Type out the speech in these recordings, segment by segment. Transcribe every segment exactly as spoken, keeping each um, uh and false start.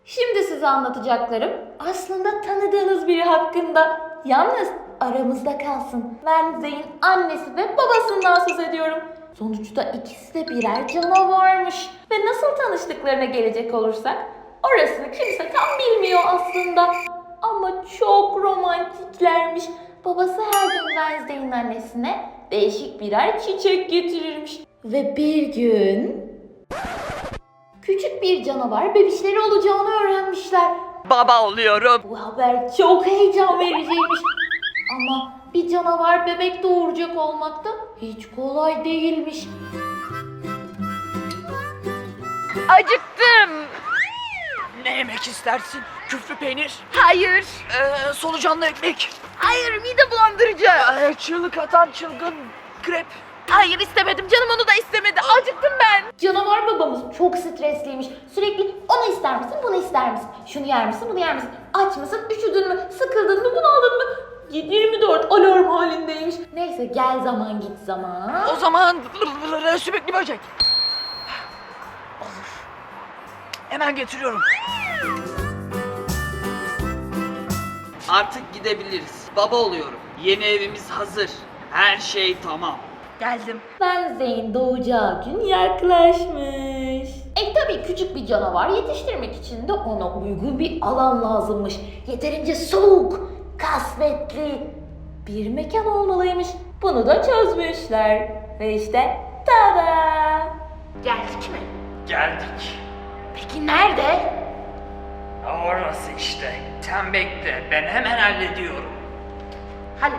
Şimdi size anlatacaklarım aslında tanıdığınız biri hakkında. Yalnız aramızda kalsın. Ben Zeyn annesi ve babasından söz ediyorum. Sonuçta ikisi de birer canavarmış. Ve nasıl tanıştıklarına gelecek olursak, orasını kimse tam bilmiyor aslında. Ama çok romantiklermiş. Babası her gün Wednesday'in annesine değişik birer çiçek getirirmiş. Ve bir gün küçük bir canavar bebişleri olacağını öğrenmişler. Baba oluyorum. Bu haber çok heyecan vericiymiş. Ama bir canavar bebek doğuracak olmak da hiç kolay değilmiş. Acıktım. Ne yemek istersin? Küflü peynir? Hayır. Ee, solucanlı ekmek? Hayır, mide bulandırıcı. Ee, çığlık atan çılgın krep? Hayır, istemedim. Canım onu da istemedi. Acıktım ben. Canavar babamız çok stresliymiş. Sürekli onu ister misin, bunu ister misin? Şunu yer misin, bunu yer misin? Aç mısın, üşüdün mü, sıkıldın mı, bunaldın mı? yirmi dört alarm halindeymiş. Neyse gel zaman git zaman. O zaman sürekli böcek. Olur. Hemen getiriyorum. Artık gidebiliriz. Baba oluyorum. Yeni evimiz hazır. Her şey tamam. Geldim. Wednesday'in doğacağı gün yaklaşmış. E tabii küçük bir canavar yetiştirmek için de ona uygun bir alan lazımmış. Yeterince soğuk, kasvetli bir mekan olmalıymış. Bunu da çözmüşler. Ve işte tada! Geldik mi? Geldik. Peki nerede? Orası işte. Sen bekle. Ben hemen hallediyorum. Hallet.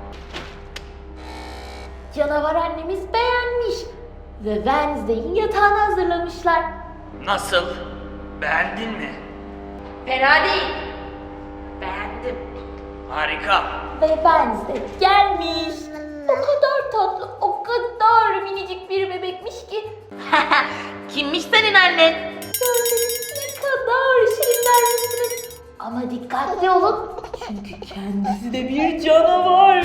Canavar annemiz beğenmiş. Ve Wednesday'in yatağını hazırlamışlar. Nasıl? Beğendin mi? Fena değil. Beğendim. Harika. Ve Wednesday gelmiş. O kadar tatlı, o kadar minicik bir bebekmiş ki. Kimmiş senin annen? Görseniz ne kadar şirinler misiniz? Ama dikkatli olun. Çünkü kendisi de bir canavar.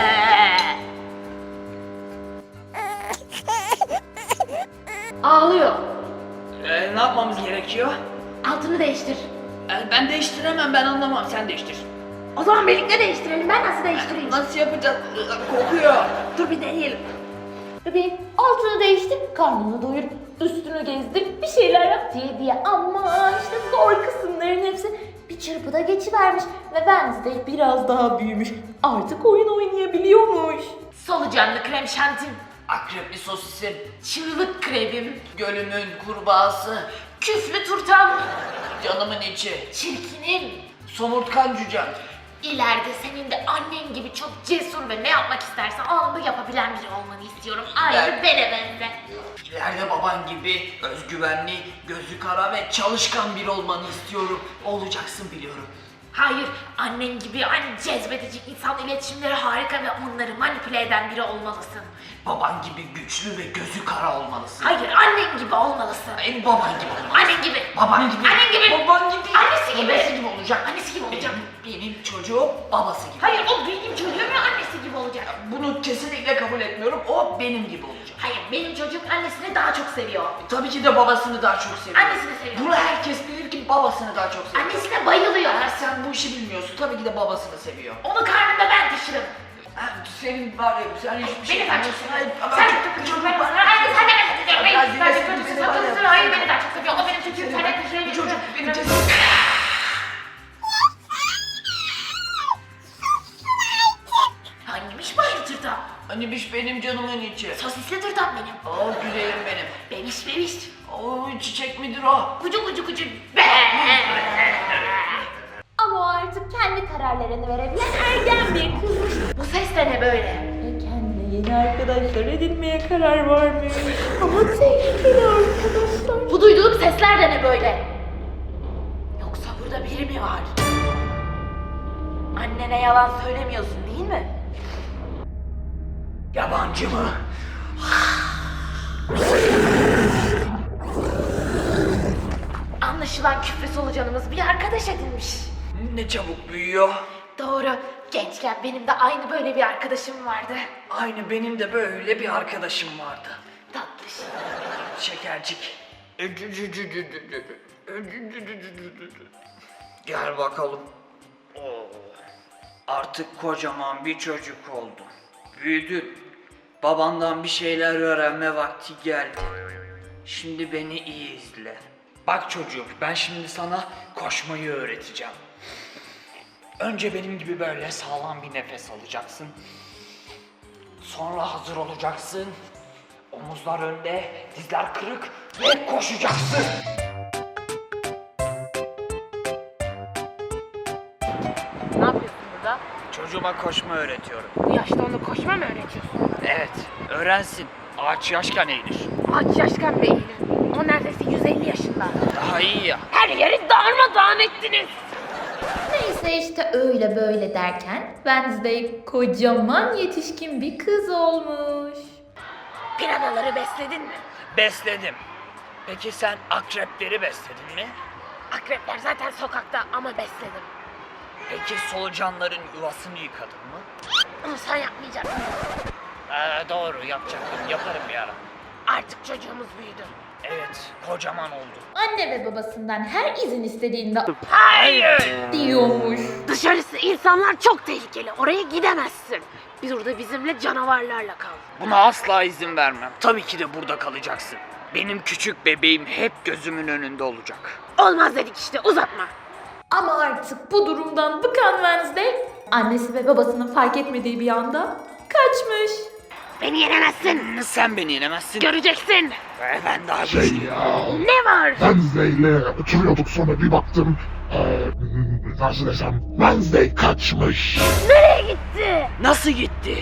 Ağlıyor. Ee, ne yapmamız gerekiyor? Altını değiştir. Ee, ben değiştiremem. Ben anlamam. Sen değiştir. O zaman birlikte değiştirelim. Ben nasıl değiştireyim? Nasıl yapacağız? Ee, Kokuyor. Dur bir deneyelim. Bebeğim altını değiştir, karnını doyur, üstünü gezdir, bir şeyler yap diye diye. Ama işte zor kısımların hepsi bir çırpıda geçivermiş. Ve Wednesday biraz daha büyümüş. Artık oyun oynayabiliyormuş. Solucanlı krem şantim. Akrepli sosisim. Çığlık kremim. Gölümün kurbağası. Küflü turtam. Canımın içi. Çirkinim. Somurtkan cücem. İleride senin de annen gibi çok cesur ve ne yapmak istersen anında yapabilen biri olmanı istiyorum. Aynı Ben- bene benze. İleride baban gibi özgüvenli, gözü kara ve çalışkan biri olmanı istiyorum. Olacaksın biliyorum. Hayır, annen gibi aynı cezbedici insan iletişimleri harika ve onları manipüle eden biri olmalısın. Baban gibi güçlü ve gözü kara olmalısın. Hayır, annen gibi olmalısın. Benim baban gibi olmalısın. Annen gibi. Baban gibi. Annen gibi. Baban gibi. Annesi gibi. Babası gibi olacak. Annesi gibi olacak. Benim, benim çocuğum babası gibi. Hayır, o benim çocuğum ve annesi gibi olacak. Bunu kesinlikle kabul etmiyorum. O benim gibi olacak. Hayır, benim çocuğum annesini daha çok seviyor. Tabii ki de babasını daha çok seviyor. Annesini seviyor. Bunu herkes bilir ki babasını daha çok seviyor. Annesine bayılıyor. Eğer sen bu işi bilmiyorsun, tabii ki de babasını seviyor. Onu karnımda ben taşırım. Ha, senin var ya, sen hiçbir şey Beni daha çok bilmiyorsun. seviyor. Hayır, ama Sen çok- çok çok- çocuğum çok- ben sana. Hayır, sen de beni seviyor. Ya, Hayır, sen de dinlesin, çocuğum. dinlesin, var ya. Sakınsın. Hayır, beni daha çok seviyor. O benim çocuğum. Sen de taşıyor. Bu çocuk benim çocuğum. cesim. Hangiymiş bu aynı tırtam? Hanimiş benim canımın içi. Sosisli tırtam benim. Oh güzelim benim. Bebiş bebiş. Oh çiçek midir o? Kucu kucu kucu. Ama o artık kendi kararlarını verebilen ergen bir kızmış. Bu ses de ne böyle? Ve kendine yeni arkadaşlar edinmeye karar vermiş. Ama tehlikeli arkadaşlar. Bu duyduğum sesler de ne böyle? Yoksa burada biri mi var? Annene yalan söylemiyorsun değil mi? Yabancı mı? Anlaşılan küflü solucanımız bir arkadaş edinmiş. Ne çabuk büyüyor. Doğru. Gençken benim de aynı böyle bir arkadaşım vardı. Aynı benim de böyle bir arkadaşım vardı. Tatlış. Şekercik. Gel bakalım. Oo, artık kocaman bir çocuk oldun. Büyüdün. Babandan bir şeyler öğrenme vakti geldi. Şimdi beni iyi izle. Bak çocuğum, ben şimdi sana koşmayı öğreteceğim. Önce benim gibi böyle sağlam bir nefes alacaksın. Sonra hazır olacaksın. Omuzlar önde, dizler kırık ve koşacaksın. Ne yapıyorsun burada? Çocuğuma koşma öğretiyorum. Bu yaşta onu koşma mı öğretiyorsun? Evet, öğrensin. Ağaç yaşken eğilir. Aç yaşkan beyni. O neredeyse yüz elli yaşında. Daha iyi ya. Her yeri darmadağın ettiniz. Neyse işte öyle böyle derken Wednesday kocaman yetişkin bir kız olmuş. Piranaları besledin mi? Besledim. Peki sen akrepleri besledin mi? Akrepler zaten sokakta ama besledim. Peki solucanların yuvasını yıkadın mı? Onu sen yapmayacaksın. Ee, doğru, yapacaktım. Yaparım bir ara. Artık çocuğumuz büyüdü. Evet, kocaman oldu. Anne ve babasından her izin istediğinde Hayır! diyormuş. Dışarısı insanlar çok tehlikeli. Oraya gidemezsin. Burada bizimle canavarlarla kal. Buna asla izin vermem. Tabii ki de burada kalacaksın. Benim küçük bebeğim hep gözümün önünde olacak. Olmaz dedik işte, uzatma. Ama artık bu durumdan bıkan Wednesday annesi ve babasının fark etmediği bir anda kaçmış. Beni yenemezsin. Sen beni yenemezsin. Göreceksin. Ee, ben daha Şey güçlüyüm. ya, Ne var? Wednesday ile oturuyorduk sonra bir baktım, eee, nasıl desem, Wednesday kaçmış. Nereye gitti? Nasıl gitti?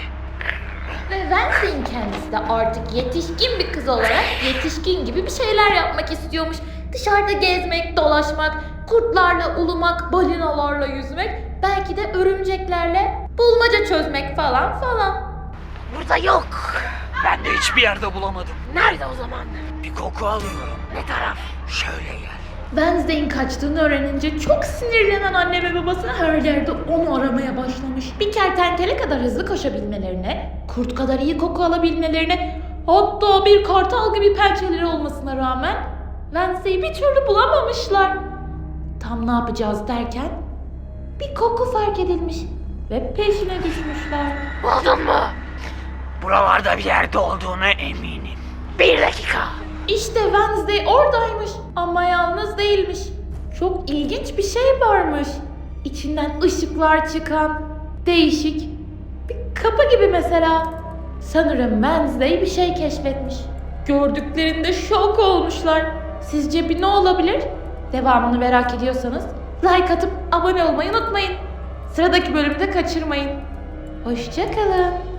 Ve Wednesday'in kendisi de artık yetişkin bir kız olarak yetişkin gibi bir şeyler yapmak istiyormuş. Dışarıda gezmek, dolaşmak, kurtlarla ulumak, balinalarla yüzmek, belki de örümceklerle bulmaca çözmek falan falan. Burada yok. Ben de hiçbir yerde bulamadım. Nerede o zaman? Bir koku alıyorum. Ne taraf? Şöyle gel. Wednesday'in kaçtığını öğrenince çok sinirlenen anne ve babası her yerde onu aramaya başlamış. Bir kertenkele kadar hızlı koşabilmelerine, kurt kadar iyi koku alabilmelerine, hatta bir kartal gibi pençeleri olmasına rağmen Wednesday'i bir türlü bulamamışlar. Tam ne yapacağız derken bir koku fark edilmiş ve peşine düşmüşler. Buldun mu? Buralarda bir yerde olduğuna eminim. Bir dakika. İşte Wednesday oradaymış ama yalnız değilmiş. Çok ilginç bir şey varmış. İçinden ışıklar çıkan, değişik bir kapı gibi mesela. Sanırım Wednesday bir şey keşfetmiş. Gördüklerinde şok olmuşlar. Sizce bir ne olabilir? Devamını merak ediyorsanız like atıp abone olmayı unutmayın. Sıradaki bölümde kaçırmayın. Hoşça kalın.